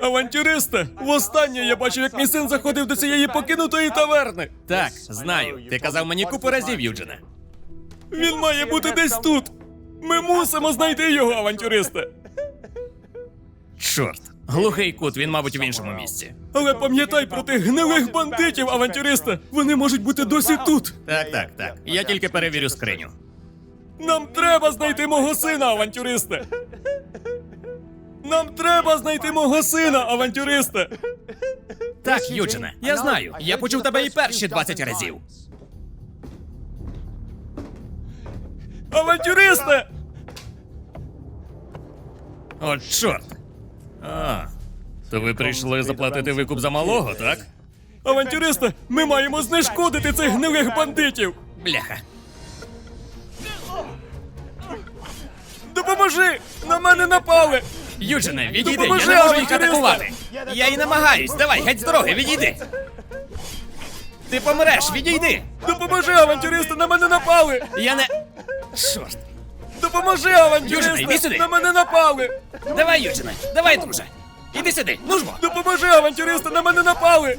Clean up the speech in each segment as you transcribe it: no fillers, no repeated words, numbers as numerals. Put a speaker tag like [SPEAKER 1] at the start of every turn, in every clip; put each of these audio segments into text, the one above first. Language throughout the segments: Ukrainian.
[SPEAKER 1] Авантюристе, востаннє я бачив, як мій син заходив до цієї покинутої таверни.
[SPEAKER 2] Так, знаю. Ти казав мені купу разів, Юджине.
[SPEAKER 1] Він має бути десь тут. Ми мусимо знайти його, авантюристе.
[SPEAKER 2] Чорт. Глухий кут, він, мабуть, в іншому місці.
[SPEAKER 1] Але пам'ятай про тих гнилих бандитів, авантюристе. Вони можуть бути досі тут.
[SPEAKER 2] Так. Я тільки перевірю скриню.
[SPEAKER 1] Нам треба знайти мого сина, авантюристе. Нам треба знайти мого сина, авантюристе.
[SPEAKER 2] Так, Юджине, я знаю. Я почув тебе і перші 20 разів.
[SPEAKER 1] Авантюристе!
[SPEAKER 2] От чорт. А, то ви прийшли заплатити викуп за малого, так?
[SPEAKER 1] Авантюристе, ми маємо знешкодити цих гнилих бандитів.
[SPEAKER 2] Бляха.
[SPEAKER 1] Допоможи! На мене напали!
[SPEAKER 2] Юджине, відійди,
[SPEAKER 1] Допоможи,
[SPEAKER 2] я не можу їх
[SPEAKER 1] авантюристе!
[SPEAKER 2] атакувати. Я і намагаюсь. Давай, геть з дороги, відійди. Ти помреш, відійди.
[SPEAKER 1] Допоможи, авантюристе, на мене напали!
[SPEAKER 2] Я не... Чорт.
[SPEAKER 1] Допоможи,
[SPEAKER 2] Южина,
[SPEAKER 1] авантюристе!
[SPEAKER 2] йди сюди.
[SPEAKER 1] На мене напали!
[SPEAKER 2] Давай, Юджине, давай, друже. Іди сюди, ну ж бо.
[SPEAKER 1] Допоможи, авантюристе, на мене напали!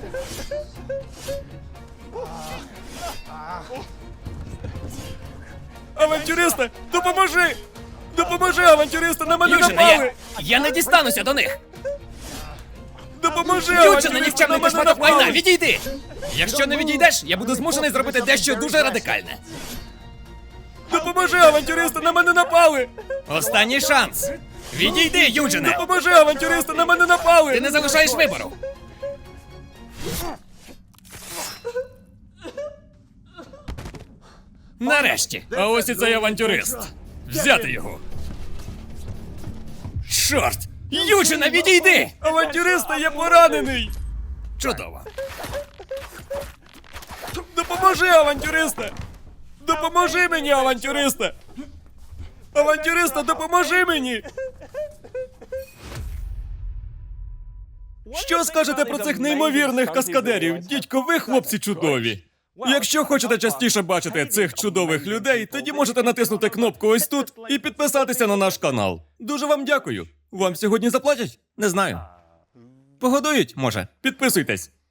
[SPEAKER 1] Авантюристе, допоможи! Допоможи, авантюристе, на мене
[SPEAKER 2] Юджине,
[SPEAKER 1] напали!
[SPEAKER 2] я не дістануся до них.
[SPEAKER 1] Допоможи,
[SPEAKER 2] Юджине,
[SPEAKER 1] авантюристе, на
[SPEAKER 2] нікчемний ти
[SPEAKER 1] мене
[SPEAKER 2] шматок майна,
[SPEAKER 1] напали!
[SPEAKER 2] відійди. Якщо не відійдеш, я буду змушений зробити дещо дуже радикальне.
[SPEAKER 1] Допоможи, авантюристе, на мене напали!
[SPEAKER 2] Останній шанс. Відійди, Юджине.
[SPEAKER 1] Допоможи, авантюристе, на мене напали!
[SPEAKER 2] Ти не залишаєш вибору. Нарешті.
[SPEAKER 1] А ось і цей авантюрист.
[SPEAKER 2] Взяти його. Чорт! Юджине, відійди!
[SPEAKER 1] Авантюристе, я поранений!
[SPEAKER 2] Чудово.
[SPEAKER 1] Допоможи, авантюристе! Допоможи мені, авантюристе! Авантюристе, допоможи мені! Що скажете про цих неймовірних каскадерів? Дідько, ви, хлопці, чудові! Якщо хочете частіше бачити цих чудових людей, тоді можете натиснути кнопку ось тут і підписатися на наш канал. Дуже вам дякую. Вам сьогодні заплатять? Не знаю. Погодують, може. Підписуйтесь.